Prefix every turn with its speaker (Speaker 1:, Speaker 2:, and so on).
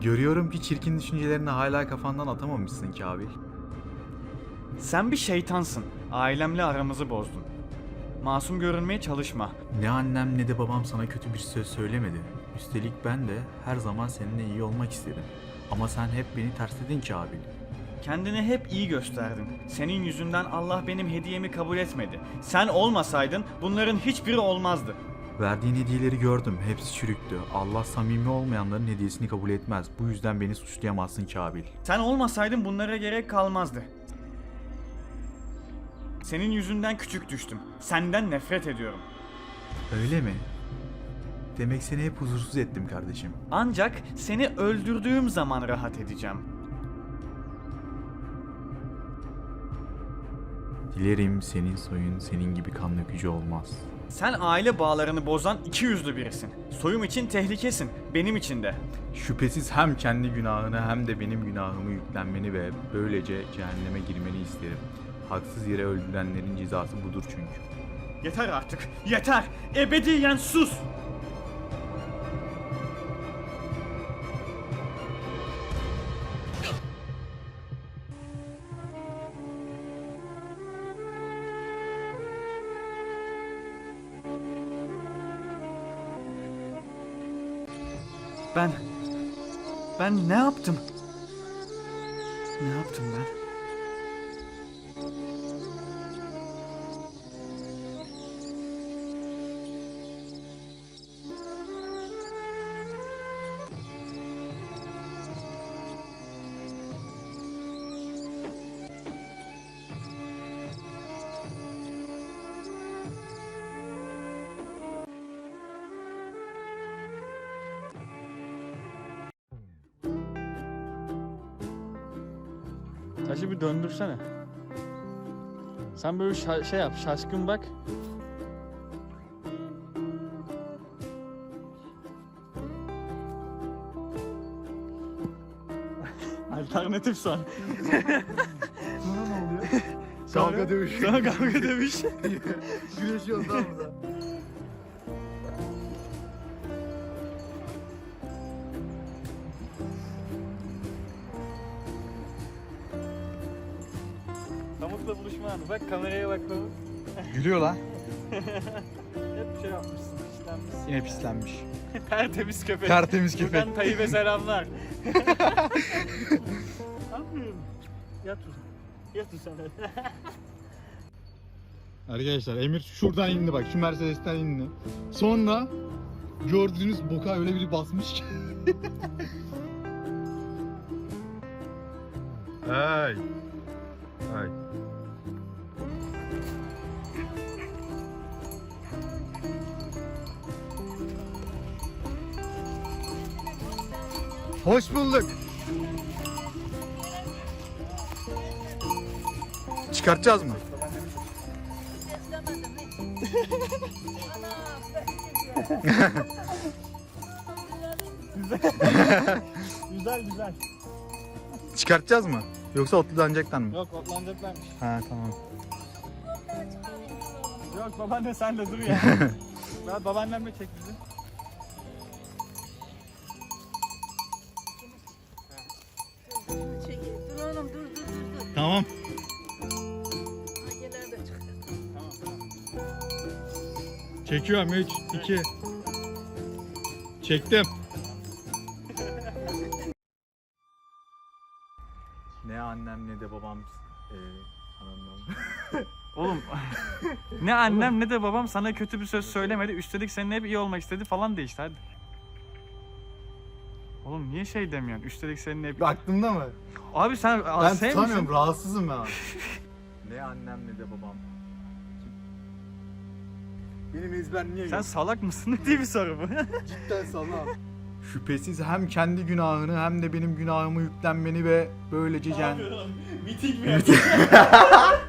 Speaker 1: Görüyorum ki çirkin düşüncelerini hala kafandan atamamışsın Kabil.
Speaker 2: Sen bir şeytansın. Ailemle aramızı bozdun. Masum görünmeye çalışma.
Speaker 1: Ne annem ne de babam sana kötü bir söz söylemedi. Üstelik ben de her zaman seninle iyi olmak istedim. Ama sen hep beni tersledin Kabil.
Speaker 2: Kendini hep iyi gösterdin. Senin yüzünden Allah benim hediyemi kabul etmedi. Sen olmasaydın bunların hiçbiri olmazdı.
Speaker 1: Verdiğin hediyeleri gördüm. Hepsi çürüktü. Allah samimi olmayanların hediyesini kabul etmez. Bu yüzden beni suçlayamazsın Kabil.
Speaker 2: Sen olmasaydın bunlara gerek kalmazdı. Senin yüzünden küçük düştüm. Senden nefret ediyorum.
Speaker 1: Öyle mi? Demek seni hep huzursuz ettim kardeşim.
Speaker 2: Ancak seni öldürdüğüm zaman rahat edeceğim.
Speaker 1: Dilerim senin soyun senin gibi kan dökücü olmaz.
Speaker 2: Sen aile bağlarını bozan ikiyüzlü birisin. Soyum için tehlikesin, benim için de.
Speaker 1: Şüphesiz hem kendi günahını hem de benim günahımı yüklenmeni ve böylece cehenneme girmeni isterim. Haksız yere öldürenlerin cezası budur çünkü.
Speaker 2: Yeter artık, yeter! Ebediyen sus! Ben ne yaptım? Ne yaptım ben? Taşı bir döndürsene. Sen böyle şey yap, şaşkın bak. Alternatif son.
Speaker 3: Sonra ne oluyor?
Speaker 2: Sonra-
Speaker 3: Kavga dövüş.
Speaker 2: Sonra kavga dövüş.
Speaker 3: Güreşiyoruz tamam mı?
Speaker 2: Pamukla buluşma anı. Bak kameraya bak Pamuk.
Speaker 3: Gülüyor lan.
Speaker 2: Hep şey yapmışsın, işlenmişsin.
Speaker 3: Yine pislenmiş.
Speaker 2: Tertemiz köpek.
Speaker 3: Tertemiz köpek.
Speaker 2: Buradan Tayyip'e selamlar. Anlıyorum. Yat uzan. Yat uzan.
Speaker 3: Arkadaşlar Emir şuradan indi bak, şu Mercedes'ten indi. Sonra gördüğünüz boka öyle biri basmış ki.
Speaker 1: Hey. Hey.
Speaker 3: Hoş bulduk.
Speaker 1: Çıkartacağız mı?
Speaker 2: Güzel güzel.
Speaker 1: Çıkartacağız mı? Yoksa otlanacaktan mı?
Speaker 2: Yok otlanacaklarmış.
Speaker 1: Ha tamam.
Speaker 2: Yok babaanne sen de dur ya. Ya babaannemle çek bizi.
Speaker 4: Dur oğlum dur.
Speaker 3: Tamam.
Speaker 4: Makineler de çıktı.
Speaker 2: Tamam tamam.
Speaker 3: Çekiyorum 3, 2. Çektim.
Speaker 1: Ne annem ne de babam anlamam.
Speaker 2: Oğlum ne annem ne de babam sana kötü bir söz söylemedi. Üstelik seninle hep iyi olmak istedi falan de işte hadi. Oğlum niye şey demiyorsun? Üstelik seninle hep...
Speaker 3: Aklımda mı?
Speaker 2: Abi sen
Speaker 3: Ben
Speaker 2: şey
Speaker 3: tutamıyorum,
Speaker 2: misin?
Speaker 3: rahatsızım ben abi.
Speaker 1: Ne annem ne de babam.
Speaker 3: Benim ezber niye
Speaker 2: Sen
Speaker 3: yok?
Speaker 2: salak mısın? Ne diye bir soru bu?
Speaker 3: Cidden sana.
Speaker 1: Şüphesiz hem kendi günahını hem de benim günahımı yüklenmeni ve böylece
Speaker 2: Miting mi?